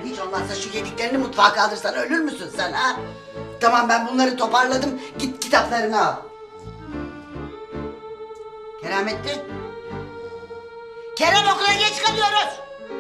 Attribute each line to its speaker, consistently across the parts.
Speaker 1: Yani hiç olmazsa şu yediklerini mutfağa kaldırsan ölür müsün sen ha? Tamam ben bunları toparladım. Git kitaplarını al. Keramettin. Kerem okula geç kalıyoruz.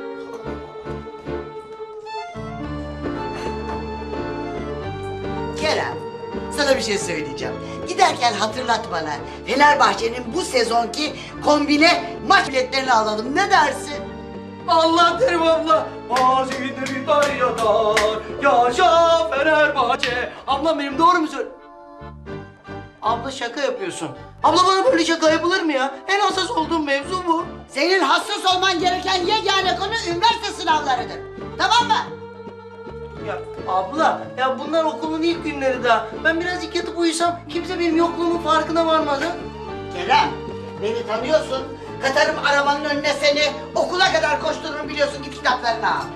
Speaker 1: Kerem, sana bir şey söyleyeceğim. Giderken hatırlat bana. Fenerbahçe'nin bu sezonki kombine maç biletlerini alalım. Ne dersin?
Speaker 2: Allah derim abla. Mazide bir dar yadar. Yaşa Fenerbahçe. Ablam benim doğru mu söylüyor? Abla şaka yapıyorsun. Abla bana böyle şaka yapılır mı ya? En hassas olduğum mevzu bu.
Speaker 1: Senin hassas olman gereken yegane konu üniversite sınavlarıdır. Tamam mı?
Speaker 2: Ya abla, ya bunlar okulun ilk günleri daha. Ben birazcık yatıp uyusam kimse benim yokluğumun farkına varmaz ha?
Speaker 1: Kerem, beni tanıyorsun. Katarım arabanın önüne seni. Okula kadar koştururum biliyorsun. Git kitaplarını al.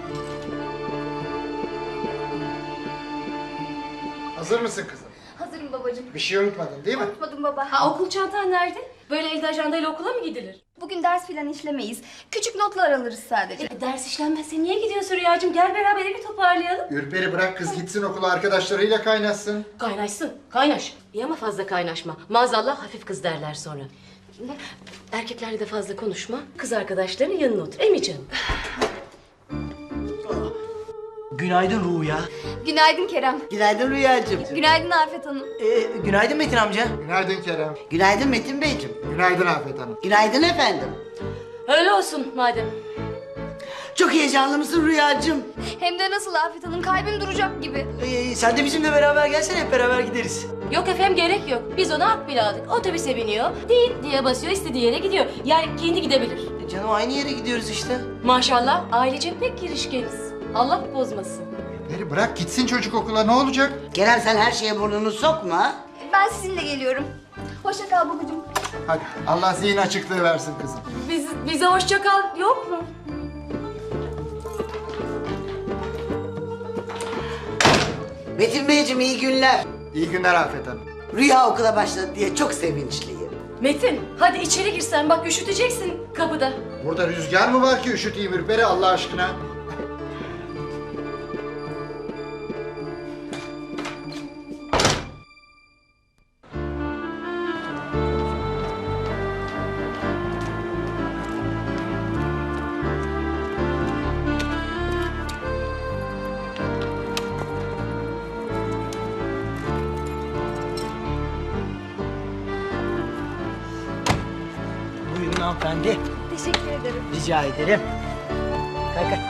Speaker 3: Hazır mısın kızım?
Speaker 4: Hazırım babacığım.
Speaker 3: Bir şey unutmadın değil mi?
Speaker 4: Unutmadım baba.
Speaker 5: Ha, okul çantan nerede? Böyle elde ajandayla okula mı gidilir?
Speaker 4: Bugün ders filan işlemeyiz. Küçük notlar alırız sadece.
Speaker 5: Ders işlenmezse niye gidiyorsun Rüyacığım? Gel beraber evi toparlayalım.
Speaker 3: Ürperi bırak kız gitsin okula arkadaşlarıyla kaynaşsın.
Speaker 5: Kaynaşsın, kaynaş. İyi ama fazla kaynaşma. Maazallah hafif kız derler sonra. Erkeklerle de fazla konuşma. Kız arkadaşlarının yanına otur. Emi canım.
Speaker 2: Günaydın Ruya.
Speaker 4: Günaydın Kerem.
Speaker 1: Günaydın Rüyacığım.
Speaker 4: Günaydın Afet Hanım.
Speaker 2: Günaydın Metin amca.
Speaker 3: Günaydın Kerem.
Speaker 1: Günaydın Metin Beyciğim.
Speaker 3: Günaydın Afet Hanım.
Speaker 1: Günaydın efendim.
Speaker 5: Öyle olsun madem.
Speaker 1: Çok heyecanlı mısın Rüyacığım?
Speaker 4: Hem de nasıl Afet Hanım? Kalbim duracak gibi.
Speaker 2: Sen de bizimle beraber gelsene, hep beraber gideriz.
Speaker 5: Yok efendim gerek yok. Biz ona akbil aldık. Otobüse biniyor. Değil diye basıyor, istediği yere gidiyor. Yani kendi gidebilir.
Speaker 2: Canım aynı yere gidiyoruz işte.
Speaker 5: Maşallah ailece pek girişkeniz. Allah bozmasın.
Speaker 3: Ürperi bırak gitsin çocuk okula ne olacak?
Speaker 1: Kerem sen her şeye burnunu sokma.
Speaker 4: Ben sizinle geliyorum. Hoşça kal babacığım.
Speaker 3: Hadi Allah zihin açıklığı versin kızım.
Speaker 5: Bize hoşça kal yok mu?
Speaker 1: Metin Beyciğim iyi günler.
Speaker 3: İyi günler Afet Hanım.
Speaker 1: Rüya okula başladı diye çok sevinçliyim.
Speaker 5: Metin hadi içeri girsen bak üşüteceksin kapıda.
Speaker 3: Burada rüzgar mı var ki üşüteyim Ürperi Allah aşkına?
Speaker 2: Buyurun hanımefendi.
Speaker 4: Teşekkür ederim.
Speaker 2: Rica ederim. Kalk kalk.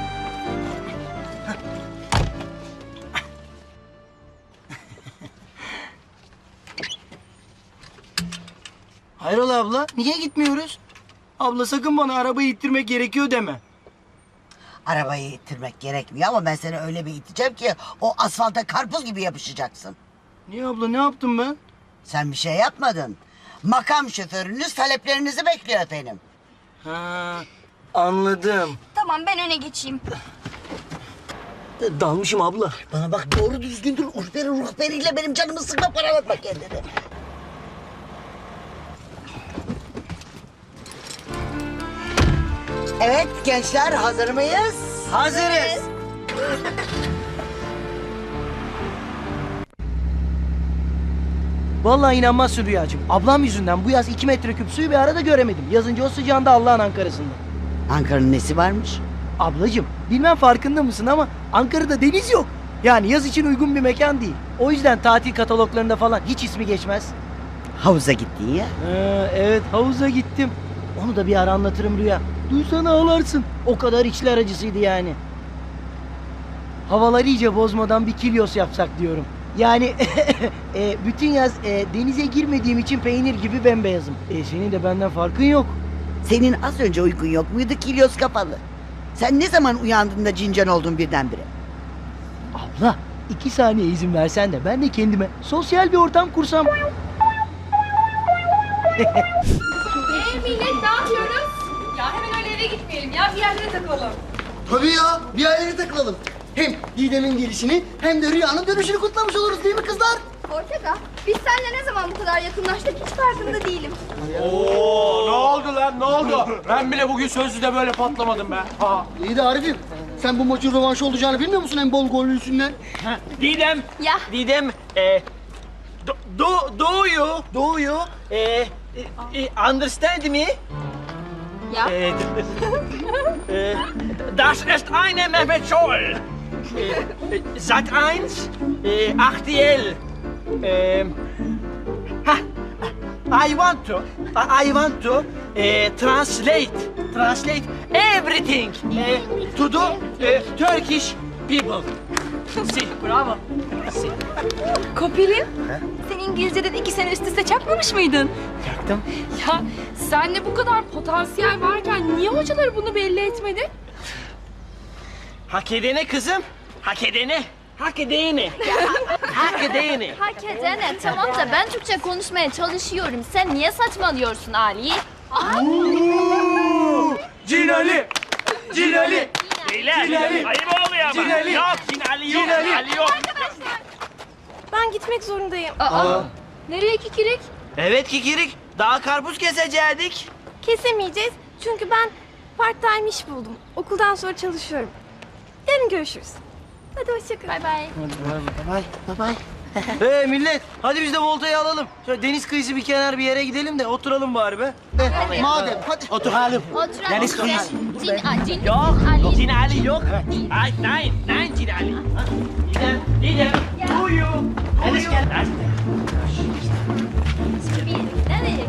Speaker 2: Hayrola abla, niye gitmiyoruz? Abla sakın bana arabayı ittirmek gerekiyor deme.
Speaker 1: Arabayı ittirmek gerekmiyor ama ben seni öyle bir iteceğim ki o asfalta karpuz gibi yapışacaksın.
Speaker 2: Niye abla, ne yaptım ben?
Speaker 1: Sen bir şey yapmadın. Makam şoförünüz taleplerinizi bekliyor efendim.
Speaker 2: Ha, anladım.
Speaker 4: Tamam ben öne geçeyim.
Speaker 2: Dalmışım abla.
Speaker 1: Bana bak doğru düzgün dur. Ruhberiyle benim canımı sıkma paralatma kendini. Evet gençler hazır mıyız?
Speaker 2: Hazırız. Vallahi inanmazsın Rüyacığım. Ablam yüzünden bu yaz 2 metreküp suyu bir arada göremedim. Yazınca o sıcağında Allah'ın Ankara'sında.
Speaker 1: Ankara'nın nesi varmış?
Speaker 2: Ablacığım bilmem farkında mısın ama Ankara'da deniz yok. Yani yaz için uygun bir mekan değil. O yüzden tatil kataloglarında falan hiç ismi geçmez.
Speaker 1: Havuza gittin ya.
Speaker 2: Evet havuza gittim. Onu da bir ara anlatırım Rüya. Duysana ağlarsın. O kadar içler acısıydı yani. Havaları iyice bozmadan bir kilyos yapsak diyorum. Yani bütün yaz denize girmediğim için peynir gibi bembeyazım. Senin de benden farkın yok.
Speaker 1: Senin az önce uykun yok muydu kilyos kafalı? Sen ne zaman uyandığında cincan oldun birdenbire?
Speaker 2: Abla 2 saniye izin versen de ben de kendime sosyal bir ortam kursam.
Speaker 6: Millet ne yapıyoruz? Ya hemen öyle eve gitmeyelim ya bir yerlere takılalım.
Speaker 2: Tabii ya bir yerlere takılalım. Hem Didem'in gelişini hem de Rüya'nın dönüşünü kutlamış oluruz değil mi kızlar?
Speaker 4: Ortega, biz seninle ne zaman bu kadar yakınlaştık hiç farkında değilim.
Speaker 7: Oo, ne oldu lan ne oldu? Ben bile bugün sözlüde böyle patlamadım be. Ha.
Speaker 2: İyi de Arif'im, sen bu maçın rövanşı olacağını bilmiyor musun en bol gollü yüzünden?
Speaker 8: Didem,
Speaker 4: Ya.
Speaker 8: Didem, do you understand me?
Speaker 4: Ya.
Speaker 8: Das ist eine Mehmet Scholl. Sat 1, RTL. I want to translate everything to the Turkish people. Si, bravo. Si.
Speaker 6: Kopil'im, sen İngilizceden 2 sene üst üste çakmamış mıydın?
Speaker 8: Yaktım.
Speaker 6: Ya sende bu kadar potansiyel varken niye hocaları bunu belli etmedi?
Speaker 8: Hak edene kızım. Hak edene. Hak edene. Hak edene.
Speaker 9: Hak edene tamam da ben Türkçe konuşmaya çalışıyorum. Sen niye saçmalıyorsun Ali?
Speaker 7: Cinali! Cinali!
Speaker 8: Beyler,
Speaker 7: Cinali.
Speaker 8: ayıp oluyor ama.
Speaker 7: Cinali.
Speaker 8: Yok, Cinali yok, Cinali yok.
Speaker 6: Ben gitmek zorundayım.
Speaker 9: Nereye kikirik?
Speaker 8: Evet Kikirik, daha karpuz kesecektik.
Speaker 6: Kesemeyeceğiz çünkü ben part-time iş buldum. Okuldan sonra çalışıyorum. Yarın görüşürüz. Hadi hoşça kal.
Speaker 9: Bay bay.
Speaker 2: Hey millet, hadi biz de voltayı alalım. Şöyle deniz kıyısı bir kenar bir yere gidelim de oturalım bari be. Madem, hadi.
Speaker 8: Oturalım.
Speaker 9: Oturalım. Cin
Speaker 8: Yok,
Speaker 9: Ali.
Speaker 8: Cinali yok. Ay, nein Cinali. Didem, do you?
Speaker 9: Nereye?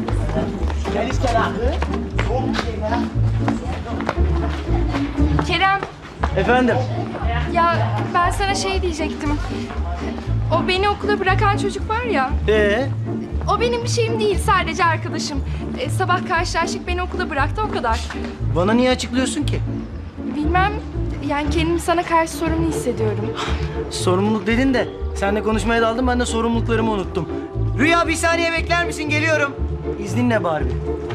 Speaker 6: Kerem,
Speaker 2: Efendim?
Speaker 6: ya ben sana şey diyecektim. O beni okula bırakan çocuk var ya.
Speaker 2: O
Speaker 6: O benim bir şeyim değil, sadece arkadaşım. Sabah karşılaştık, beni okula bıraktı, o kadar.
Speaker 2: bana niye açıklıyorsun ki?
Speaker 6: Bilmem, yani kendimi sana karşı sorumlu hissediyorum.
Speaker 2: Sorumluluk dedin de seninle konuşmaya daldım, ben de sorumluluklarımı unuttum. Rüya bir saniye bekler misin? Geliyorum. İzninle Barbie.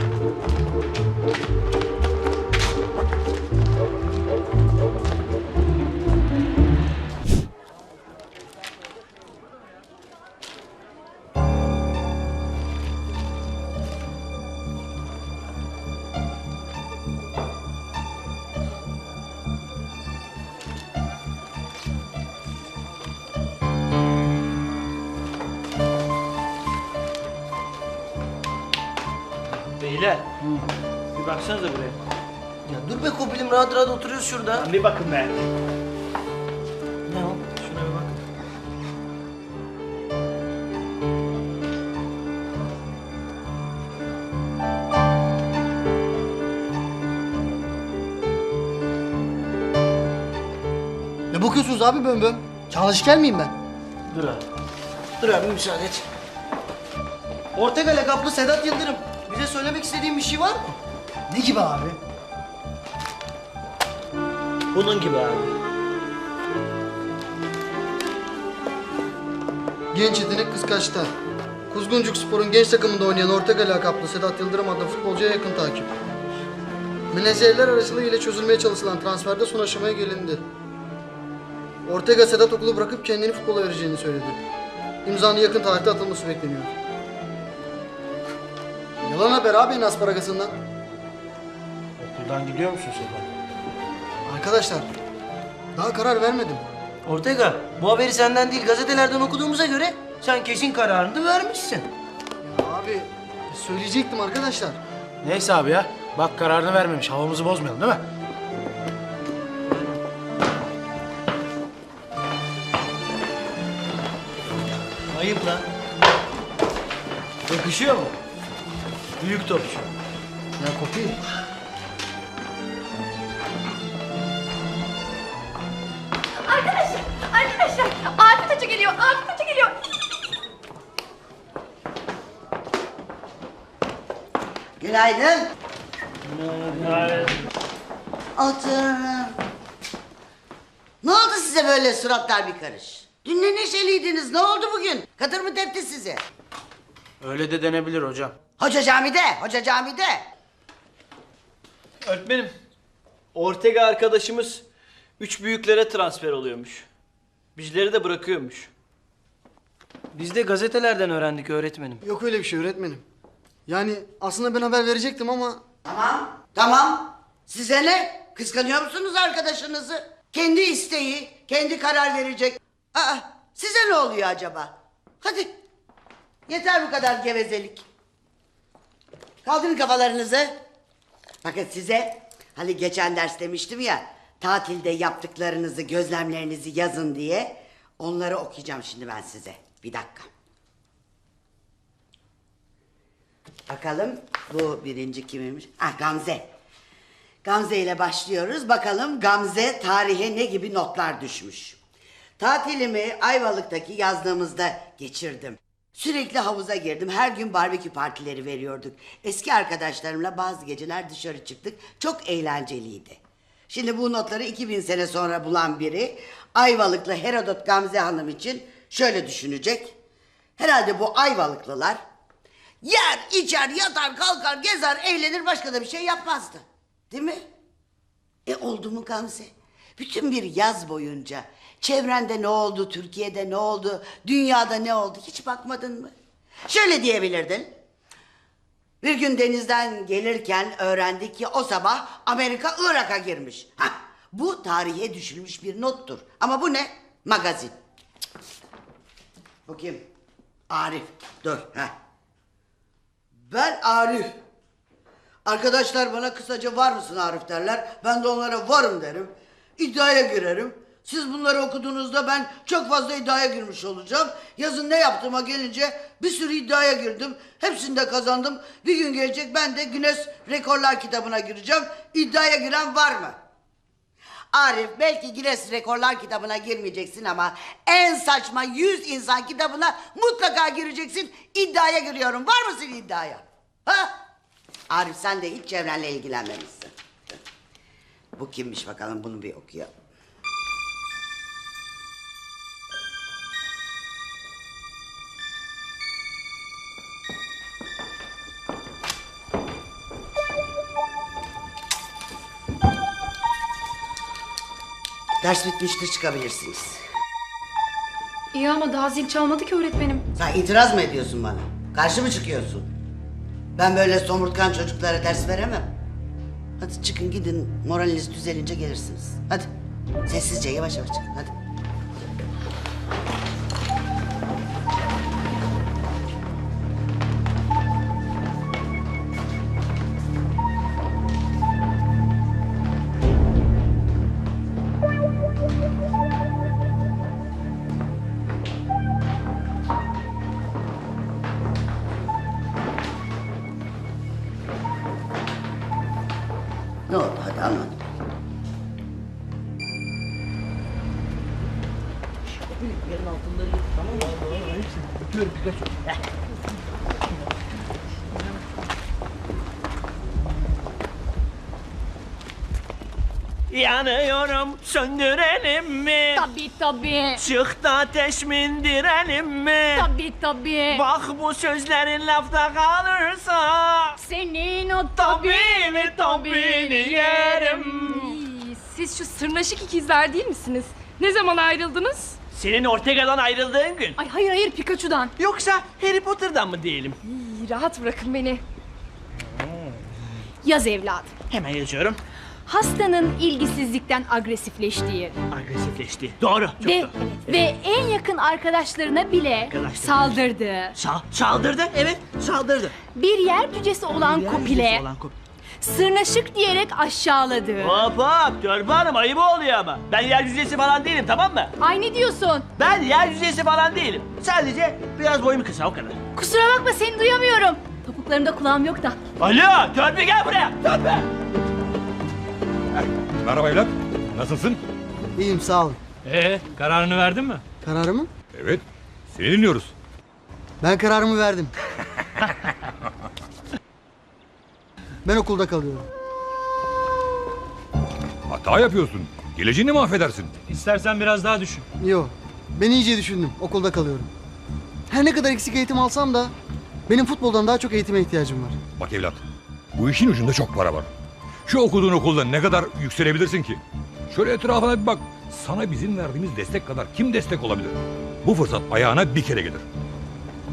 Speaker 8: Beyler, bir baksanıza buraya.
Speaker 2: Ya dur be Kopilim, rahat rahat oturuyoruz şurada.
Speaker 8: Bir bakın be.
Speaker 2: Ne o?
Speaker 8: Şuna bir bak.
Speaker 2: Ne bakıyorsunuz abi bön? Çalışken miyim ben? Dur abi. Dur abi müsaade et. Ortega lakaplı Sedat Yıldırım. Bize söylemek istediğin bir şey var mı? Ne gibi abi?
Speaker 8: Bunun gibi abi.
Speaker 10: Genç yetenek kıskaçta. Kuzguncuk Spor'un genç takımında oynayan Ortega lakaplı Sedat Yıldırım adlı futbolcuya yakın takip. Menajerler aracılığıyla çözülmeye çalışılan transferde son aşamaya gelindi. Ortega Sedat okulu bırakıp kendini futbola vereceğini söyledi. İmzanın yakın tarihte atılması bekleniyor. Yalan haber abi en asparagasından.
Speaker 7: Okuldan gidiyor musun Sedat?
Speaker 10: Arkadaşlar, daha karar vermedim.
Speaker 2: Ortega, bu haberi senden değil gazetelerden okuduğumuza göre sen kesin kararını vermişsin.
Speaker 10: Ya abi, söyleyecektim arkadaşlar.
Speaker 7: Neyse abi ya. Bak kararını vermemiş. Havamızı bozmayalım değil mi?
Speaker 2: Ayıp lan. Yakışıyor mu? Büyük topçu.
Speaker 10: Ya Kopi,
Speaker 6: Arkadaşlar, Afet Hoca geliyor, Afet Hoca geliyor.
Speaker 1: Günaydın. Oturun. Ne oldu size böyle suratlar bir karış? Dün ne neşeliydiniz, ne oldu bugün? Katır mı tepti sizi?
Speaker 7: Öyle de denebilir hocam.
Speaker 1: Hoca camide.
Speaker 8: Öğretmenim, Ortega arkadaşımız 3 büyüklere transfer oluyormuş. Bizleri de bırakıyormuş.
Speaker 2: Biz de gazetelerden öğrendik öğretmenim.
Speaker 10: Yok öyle bir şey öğretmenim. Yani aslında ben haber verecektim ama...
Speaker 1: Tamam. Size ne? Kıskanıyor musunuz arkadaşınızı? Kendi isteği, kendi karar verecek. Size ne oluyor acaba? Hadi. Yeter bu kadar gevezelik. Kaldırın kafalarınızı. Bakın size hani geçen ders demiştim ya, tatilde yaptıklarınızı, gözlemlerinizi yazın diye. Onları okuyacağım şimdi ben size. Bir dakika. Bakalım bu birinci kimmiş? Gamze. Gamze ile başlıyoruz. Bakalım Gamze tarihe ne gibi notlar düşmüş. Tatilimi Ayvalık'taki yazlığımızda geçirdim. Sürekli havuza girdim. Her gün barbekü partileri veriyorduk. Eski arkadaşlarımla bazı geceler dışarı çıktık. Çok eğlenceliydi. Şimdi bu notları 2000 sene sonra bulan biri Ayvalıklı Herodot Gamze Hanım için şöyle düşünecek. Herhalde bu Ayvalıklılar yer, içer, yatar, kalkar, gezer, eğlenir, başka da bir şey yapmazdı. Değil mi? Oldu mu Gamze? Bütün bir yaz boyunca çevrende ne oldu, Türkiye'de ne oldu, dünyada ne oldu hiç bakmadın mı? Şöyle diyebilirdin. Bir gün denizden gelirken öğrendik ki o sabah Amerika Irak'a girmiş. Bu tarihe düşülmüş bir nottur. Ama bu ne? Magazin. Bu kim? Arif. Dur. Ben Arif. Arkadaşlar bana kısaca var mısın Arif derler. Ben de onlara varım derim. İddiaya girerim. Siz bunları okuduğunuzda ben çok fazla iddiaya girmiş olacağım. Yazın ne yaptığıma gelince bir sürü iddiaya girdim. Hepsinde kazandım. Bir gün gelecek ben de Guinness Rekorlar kitabına gireceğim. İddiaya giren var mı? Arif belki Guinness Rekorlar kitabına girmeyeceksin ama en saçma 100 insan kitabına mutlaka gireceksin. İddiaya giriyorum. Var mısın iddiaya? Arif sen de hiç çevrenle ilgilenmemişsin. Bu kimmiş bakalım, bunu bir okuyalım. Ders bitmiştir, çıkabilirsiniz.
Speaker 4: İyi ama daha zil çalmadı ki öğretmenim.
Speaker 1: Sen itiraz mı ediyorsun bana? Karşı mı çıkıyorsun? Ben böyle somurtkan çocuklara ders veremem. Hadi çıkın gidin, moraliniz düzelince gelirsiniz. Hadi sessizce yavaş yavaş çıkın hadi. Ne oldu hadi anlat.
Speaker 8: Yanıyorum, söndürelim mi?
Speaker 9: Tabii.
Speaker 8: Çıktı ateş mi indirelim mi?
Speaker 9: Tabii.
Speaker 8: Bak bu sözlerin lafta kalırsa
Speaker 9: Senin o
Speaker 8: tabii yerim.
Speaker 6: Siz şu sırnaşık ikizler değil misiniz? Ne zaman ayrıldınız?
Speaker 8: Senin Ortega'dan ayrıldığın gün.
Speaker 6: Ay hayır Pikachu'dan.
Speaker 8: Yoksa Harry Potter'dan mı diyelim?
Speaker 6: Rahat bırakın beni. Yaz evladım.
Speaker 8: Hemen yazıyorum.
Speaker 6: Hastanın ilgisizlikten agresifleştiği
Speaker 8: Agresifleşti. Doğru. Çok
Speaker 6: ve,
Speaker 8: doğru.
Speaker 6: ve en yakın arkadaşlarına bile saldırdığı,
Speaker 8: Saldırdı. Evet, saldırdı.
Speaker 6: bir yer cücesi olan Kopil'e sırnaşık diyerek aşağıladığı.
Speaker 8: Hop hop, Törpü Hanım ayıp oluyor ama. Ben yer yüzeysi falan değilim, tamam mı?
Speaker 6: Ay ne diyorsun?
Speaker 8: Ben yer yüzeysi falan değilim. Sadece biraz boyum kısa, o kadar.
Speaker 6: Kusura bakma seni duyamıyorum. Topuklarımda kulağım yok da.
Speaker 8: Alo, Törpü gel buraya. Törpü.
Speaker 11: Merhaba evlat. Nasılsın?
Speaker 10: İyiyim sağ ol.
Speaker 7: Kararını verdin mi?
Speaker 10: Kararımı?
Speaker 11: Evet. Seni dinliyoruz.
Speaker 10: Ben kararımı verdim. Ben okulda kalıyorum.
Speaker 11: Hata yapıyorsun. Geleceğini mahvedersin.
Speaker 7: İstersen biraz daha düşün.
Speaker 10: Yo, ben iyice düşündüm. Okulda kalıyorum. Her ne kadar eksik eğitim alsam da benim futboldan daha çok eğitime ihtiyacım var.
Speaker 11: Bak evlat. Bu işin ucunda çok para var. Şu okuduğun okulda ne kadar yükselebilirsin ki? Şöyle etrafına bir bak. Sana bizim verdiğimiz destek kadar kim destek olabilir? Bu fırsat ayağına bir kere gelir.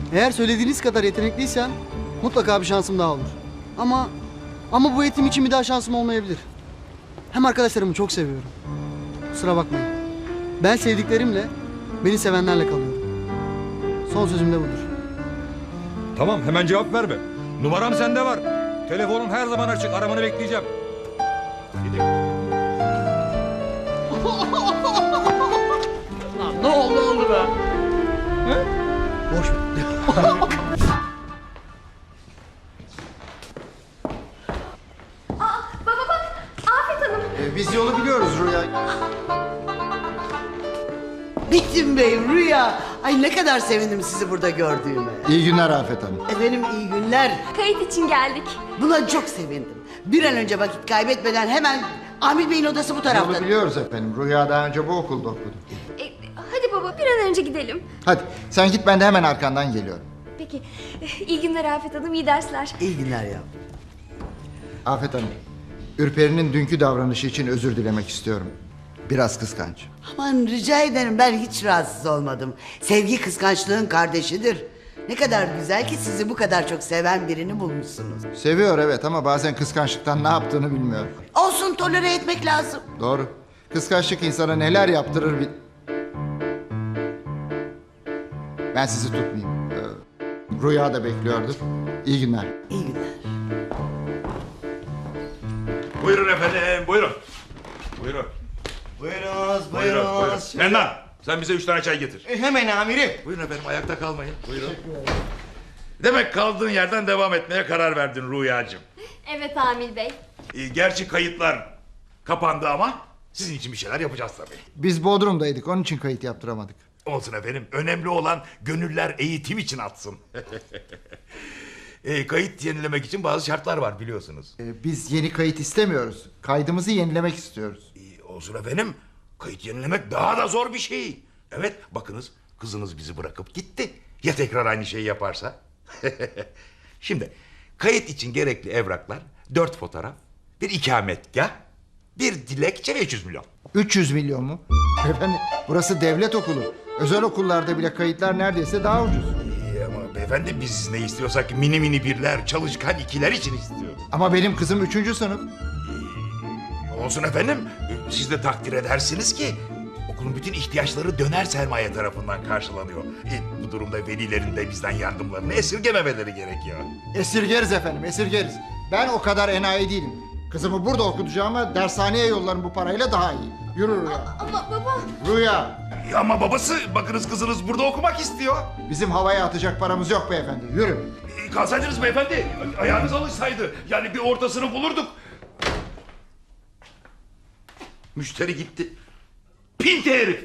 Speaker 10: Eğer söylediğiniz kadar yetenekliysen mutlaka bir şansım daha olur. Ama bu eğitim için bir daha şansım olmayabilir. Hem arkadaşlarımı çok seviyorum. Kusura bakmayın. Ben sevdiklerimle, beni sevenlerle kalıyorum. Son sözüm de budur.
Speaker 11: Tamam hemen cevap verme. Numaram sende var. Telefonum her zaman açık. Aramanı bekleyeceğim.
Speaker 2: Lan ne oldu be?
Speaker 10: Boş ver.
Speaker 6: Baba bak, Afet Hanım.
Speaker 3: Biz yolu biliyoruz Rüya.
Speaker 1: Metin Bey, Rüya. Ay ne kadar sevindim sizi burada gördüğüme.
Speaker 3: İyi günler Afet Hanım.
Speaker 1: Efendim iyi günler.
Speaker 6: Kayıt için geldik.
Speaker 1: Buna çok sevindim. Bir an önce vakit kaybetmeden hemen Amil Bey'in odası bu tarafta.
Speaker 3: Yolu biliyoruz efendim. Rüya daha önce bu okulda okudu.
Speaker 6: Hadi baba bir an önce gidelim.
Speaker 3: Hadi sen git, ben de hemen arkandan geliyorum.
Speaker 6: Peki. İyi günler Afet Hanım, iyi dersler.
Speaker 1: İyi günler ya.
Speaker 3: Afet Hanım, Ürperi'nin dünkü davranışı için özür dilemek istiyorum. Biraz kıskanç.
Speaker 1: Aman rica ederim, ben hiç rahatsız olmadım. Sevgi kıskançlığın kardeşidir. Ne kadar güzel ki sizi bu kadar çok seven birini bulmuşsunuz.
Speaker 3: Seviyor evet, ama bazen kıskançlıktan ne yaptığını bilmiyor.
Speaker 1: Olsun, tolere etmek lazım.
Speaker 3: Doğru. Kıskançlık insana neler yaptırır Ben sizi tutmayayım. Rüya da bekliyordur. İyi günler.
Speaker 1: İyi günler.
Speaker 11: Buyurun efendim buyurun. Buyurun.
Speaker 2: Buyurunuz,
Speaker 11: Buyurun. Mennan sen bize 3 tane çay getir.
Speaker 2: Hemen amirim.
Speaker 11: Buyurun efendim ayakta kalmayın. Buyurun. Demek kaldığın yerden devam etmeye karar verdin Rüyacığım.
Speaker 6: Evet Amil Bey.
Speaker 11: Gerçi kayıtlar kapandı ama sizin için bir şeyler yapacağız tabii.
Speaker 3: Biz Bodrum'daydık, onun için kayıt yaptıramadık.
Speaker 11: Olsun efendim. Önemli olan gönüller eğitim için atsın. Kayıt yenilemek için bazı şartlar var biliyorsunuz.
Speaker 3: Biz yeni kayıt istemiyoruz. Kaydımızı yenilemek istiyoruz.
Speaker 11: Olsun efendim. Kayıt yenilemek daha da zor bir şey. Evet bakınız kızınız bizi bırakıp gitti. Ya tekrar aynı şeyi yaparsa? Şimdi kayıt için gerekli evraklar 4 fotoğraf, bir ikametgah, bir dilekçe ve 300 milyon.
Speaker 3: 300 milyon mu? Efendim burası devlet okulu. Özel okullarda bile kayıtlar neredeyse daha ucuz.
Speaker 11: Ama beyefendi biz ne istiyorsak mini mini birler, çalışkan ikiler için istiyoruz.
Speaker 3: Ama benim kızım 3. sınıf.
Speaker 11: Olsun efendim. Siz de takdir edersiniz ki okulun bütün ihtiyaçları döner sermaye tarafından karşılanıyor. Bu durumda velilerin de bizden yardımlarını esirgememeleri gerekiyor.
Speaker 3: Esirgeriz efendim, esirgeriz. Ben o kadar enayi değilim. Kızımı burada okutacağıma dershaneye yollarım bu parayla daha iyi. Yürü Rüya.
Speaker 6: Ama baba.
Speaker 3: Rüya.
Speaker 11: Ama babası bakınız kızınız burada okumak istiyor.
Speaker 3: Bizim havaya atacak paramız yok beyefendi. Yürü.
Speaker 11: Kalsaydınız beyefendi. Ayağınız alışsaydı. Yani bir ortasını bulurduk. Müşteri gitti. Pinti herif.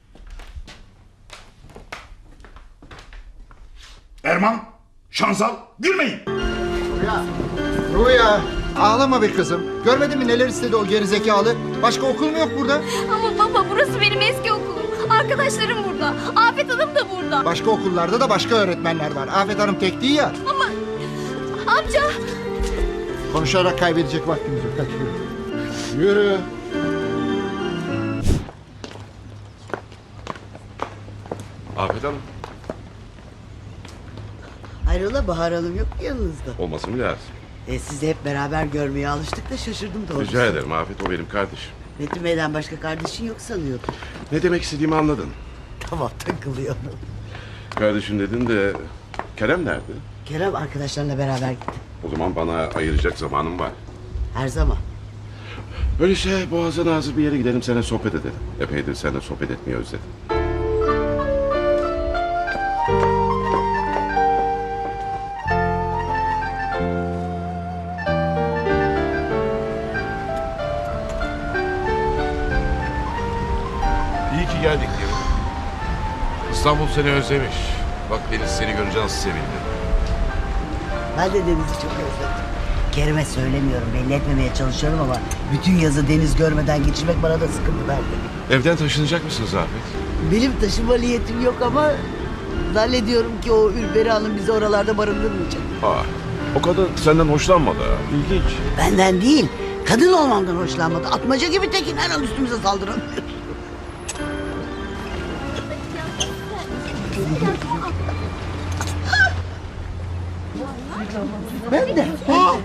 Speaker 11: Erman, Şansal, gülmeyin.
Speaker 3: Rüya. Rüya. Ağlama be kızım. Görmedin mi neler istedi o gerizekalı? Başka okul mu yok burada?
Speaker 6: Ama baba burası benim eski okulum. Arkadaşlarım burada. Afet Hanım da burada.
Speaker 3: Başka okullarda da başka öğretmenler var. Afet Hanım tek değil ya.
Speaker 6: Ama amca.
Speaker 3: Konuşarak kaybedecek vaktimiz yok. Hadi yürü. Yürü.
Speaker 12: Afet Hanım.
Speaker 1: Hayrola, Bahar Hanım yok mu yanınızda?
Speaker 12: Olması mı lazım?
Speaker 1: Sizi hep beraber görmeye alıştık da şaşırdım doğrusu.
Speaker 12: Rica ederim Afet, o benim kardeşim.
Speaker 1: Metin Bey'den başka kardeşin yok sanıyordum.
Speaker 12: Ne demek istediğimi anladın.
Speaker 1: Tamam, takılıyorum.
Speaker 12: Kardeşim dedin de Kerem nerede?
Speaker 1: Kerem arkadaşlarla beraber gitti.
Speaker 12: O zaman bana ayıracak zamanım var.
Speaker 1: Her zaman.
Speaker 12: Öyleyse boğaza nazır bir yere gidelim, seninle sohbet edelim. Epeydir seninle sohbet etmeyi özledim.
Speaker 13: İyi ki geldik diyorum. İstanbul seni özlemiş. Bak Deniz seni görünce nasıl sevindi.
Speaker 1: Ben de Deniz'i çok özledim. Kerem'e söylemiyorum, belli etmemeye çalışıyorum ama bütün yazı Deniz görmeden geçirmek bana da sıkıntı verdi.
Speaker 13: Evden taşınacak mısınız Afet?
Speaker 1: Benim taşıma niyetim yok ama zannediyorum ki o Ülberi Hanım bizi oralarda barındırmayacak.
Speaker 12: O kadın senden hoşlanmadı ha. İlginç.
Speaker 1: Benden değil, kadın olmamdan hoşlanmadı. Atmaca gibi tekin her an üstümüze saldıran.
Speaker 2: Ben de.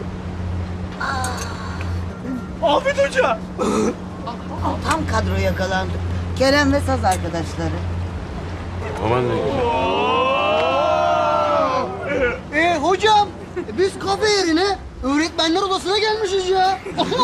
Speaker 7: Afet Hoca.
Speaker 1: Tam kadro yakalandı. Kerem ve Saz arkadaşları.
Speaker 12: Aman ne güzel.
Speaker 10: Hocam biz kafe yerine öğretmenler odasına gelmişiz ya.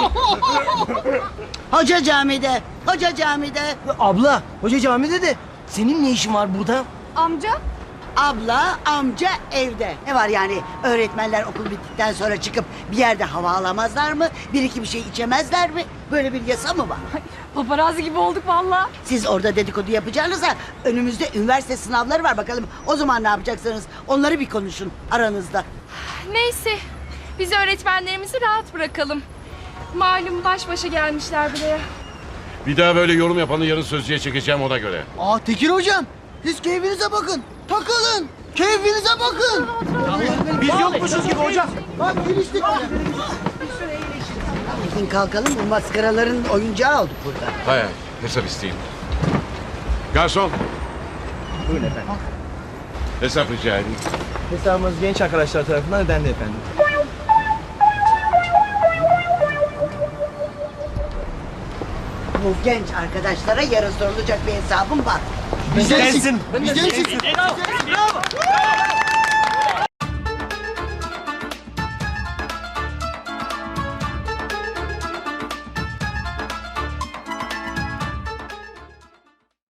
Speaker 1: Hoca camide, hoca camide.
Speaker 2: Abla, hoca camide de senin ne işin var burada?
Speaker 6: Amca?
Speaker 1: Abla, amca evde. Ne var yani öğretmenler okul bittikten sonra çıkıp bir yerde hava alamazlar mı? Bir iki bir şey içemezler mi? Böyle bir yasa mı var?
Speaker 6: Paparazzi gibi olduk valla.
Speaker 1: Siz orada dedikodu yapacağınıza önümüzde üniversite sınavları var bakalım. O zaman ne yapacaksınız? Onları bir konuşun aranızda.
Speaker 6: Neyse biz öğretmenlerimizi rahat bırakalım. Malum baş başa gelmişler buraya.
Speaker 12: Bir daha böyle yorum yapanı yarın sözcüye çekeceğim ona göre.
Speaker 10: Tekir hocam siz keyfinize bakın. Takılın. Keyfinize bakın.
Speaker 7: Biz yokmuşuz gibi hocam.
Speaker 10: Bak geliştik.
Speaker 1: Gidin kalkalım bu maskaraların oyuncağı olduk burada.
Speaker 12: Hay hay, hesap isteyeyim. Garson,
Speaker 2: Buyurun efendim.
Speaker 12: hesap rica edeyim.
Speaker 2: Hesabımız genç arkadaşlar tarafından ödendi efendim.
Speaker 1: Bu genç arkadaşlara yarın sorulacak bir hesabım var.
Speaker 10: Bizdensin.
Speaker 2: Bizdensin.
Speaker 10: Bizdensin.
Speaker 8: Bravo. Bravo.